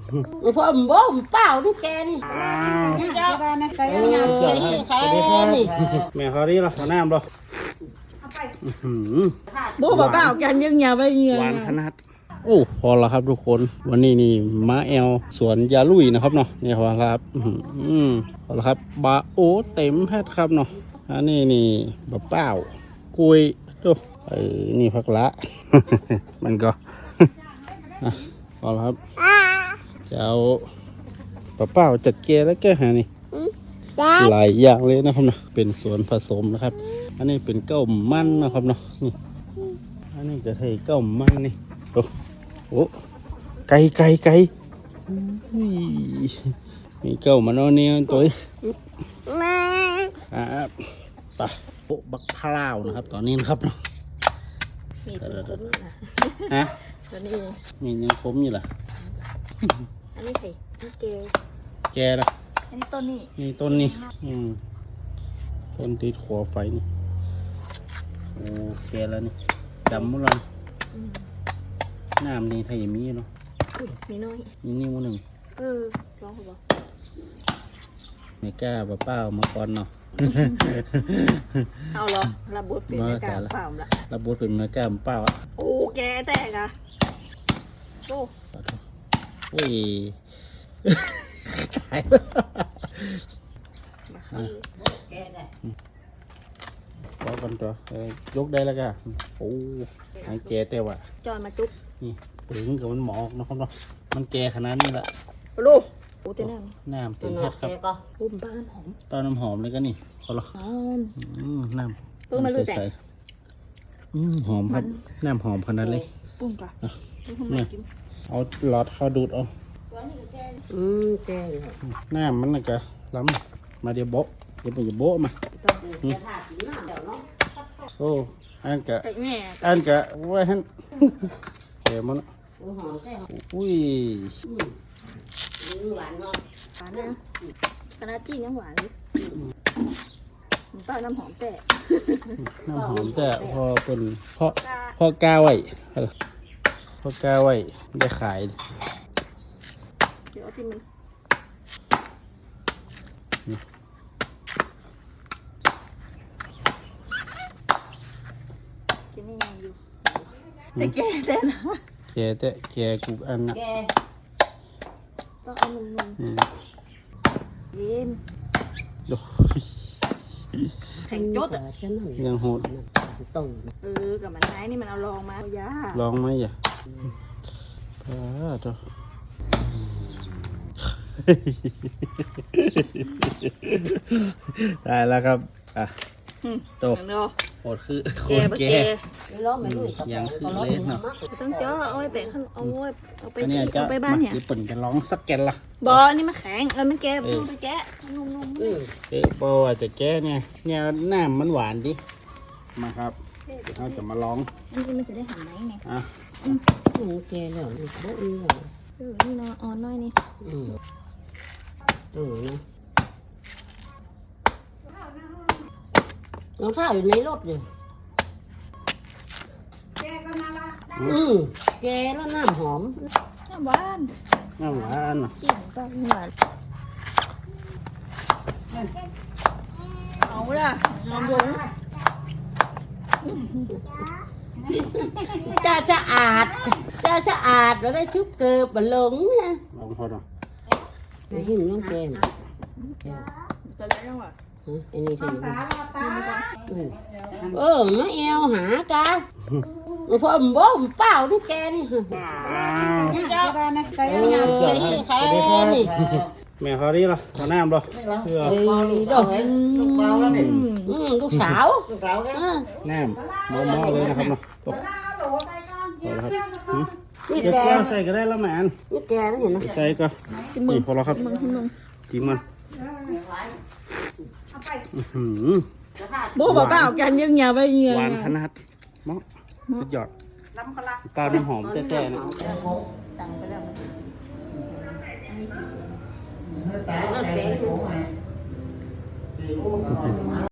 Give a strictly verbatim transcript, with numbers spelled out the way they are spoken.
พอมบ่มเปล่าที่แกนี่นี่เจ้าใครใครนี่แม่เขาดีละหัวหน้าบ่บ่บ่เปล่ากันยังอย่าไปเงี้ยหวานขนาดโอ้พอแล้วครับทุกคนวันนี้นี่ม้าแอลสวนยาลุยนะครับเนาะนี่พอแล้วครับอืมพอแล้วครับบาโอเต็มแพทครับเนาะอันนี้นี่บะเป้ากุยดูเออนี่พักละ มันก็ พอแล้วครับจะเอาบะเป้าจัดเกลือแล้วแกหานี่หลายอย่างเลยนะครับเนาะเป็นสวนผสมนะครับอันนี้เป็นเก้ามันนะครับเนาะนี่อันนี้จะเทเก้ามันนี่โอ้โหไก่ไก่ไก่มีเก้ามันเอาเนี่ยตัวครับปะโอ้บักพร้าวนะครับตอนนี้นะครับเนาะฮะตัวนี้มียังคมอยู่ล่ะอันนี้สินี่เกลแกล่ะอันนี้ต้นนี้นี่ต้นนี้อืมต้นติดหัวไฟนี่โอ้แกแล้วนี่ดำหมดเลยน้ำนี่ไทยมีเนาะมีน้อยมีนิ้วหนึ่งเออร้องเขาบอกไม่กล้าป้าเป้ามาก่อนเนาะเอาหรอระบุเป็นไม่กล้าเปล่าละระบุเป็นไม่กล้าเป้าอ่ะโอ้แกแตกอ่ะโอ้โอ้ยตายบอกกันตัวยกได้แล้วกันโอ้ไอ้แกแต่ว่าจอยมาจุ๊บนี่ถึงกับมันหมอกนะครับเนาะมันแกขนาดนี้ละลูกโอ้เต็มน้ำน้ำเต็มแพทครับอุ้มบ้านหอมตอนน้ำหอมเลยก็นี่พอละน้ำเพิ่งมารู้จักหอมครับน้ำหอมขนาดเลยปุ้งก่อนเนี่ยเอาหลอดเข้าดูดเอาอืมแกน้ำมันน่ะกะล้ำมาเดี๋ยวโบเดี๋ยวไปจะโบมาโอ้อันกะอันกะไว้ฮั่นเดี๋ยวมันอุ้ยหวานเนาะหวานนะคณะจีนยังหวานเลยป้าน้ำหอมแต่น้ำหอมแต่พอเป็นเพราะพอกาไว้พอกาไว้ได้ขายเดี๋ยวที่มันกินไม่ยังอยู่แต่แกแต่นะแกแต่แกกูอันนะต้องเอานุ่มๆเย็นแข็งจุดอ่ะยังโหดเออกับมันไม้นี่มันเอาลองมาเอายาลองไหมอ่ะป้าตัวได้แล้วครับอ่ะโตโหดคือโคตรแก่ยังคือเล็กเนาะต้องเจาะเอาไว้แบ่งเอาไว้เอาไปเอาไปบ้านเนี่ยญี่ปุ่นจะร้องสักแกนละบอนี่มันแข็งเออมันแก่ต้องไปแกะนุ่มๆเออโบอาจจะแก่เนี่ยเนี่ยน้ำมันหวานดิมาครับเราจะมาร้องอันนี้มันจะได้หันไหมไงอ่ะอืมแกแล้วบ่อือเออนี่นอนอ่อนน้อยนี่อืมเออนะน้องข้าวอยู่ในรถอยู่แกก็น่ารักอืมแกแล้วน้ำหอมน้ำหวานน้ำหวานกินก็หวานเอาละลองดูจะสะอาดจะสะอาดแล้วได้ชุบเกลือบะหลงนะลองพอดอ่ะไม่เห็นน้องแกมจะได้ยังวะอันนี้ใช่ไหมเออมาเอวหากะพอมบ่มเปล่าที่แกนี่นี่เจ้าใครใครนี่แม่เขาดีละตอนน้ำบ่เออลูกเบาแล้วนี่ลูกสาวลูกสาวน้ำมอเลยนะครับเนาะตกพอแล้วครับนี่แกใส่ก็ได้แล้วแม่อันนี่แกนี่เห็นไหมใส่ก็นี่พอแล้วครับจิ้มมันบ่บ่เปล่ากันยังอย่าไปเงี้ยหวานขนาดมะสุดยอดเปล่าน้ำหอมแก่ๆนะตังไปแล้วมัน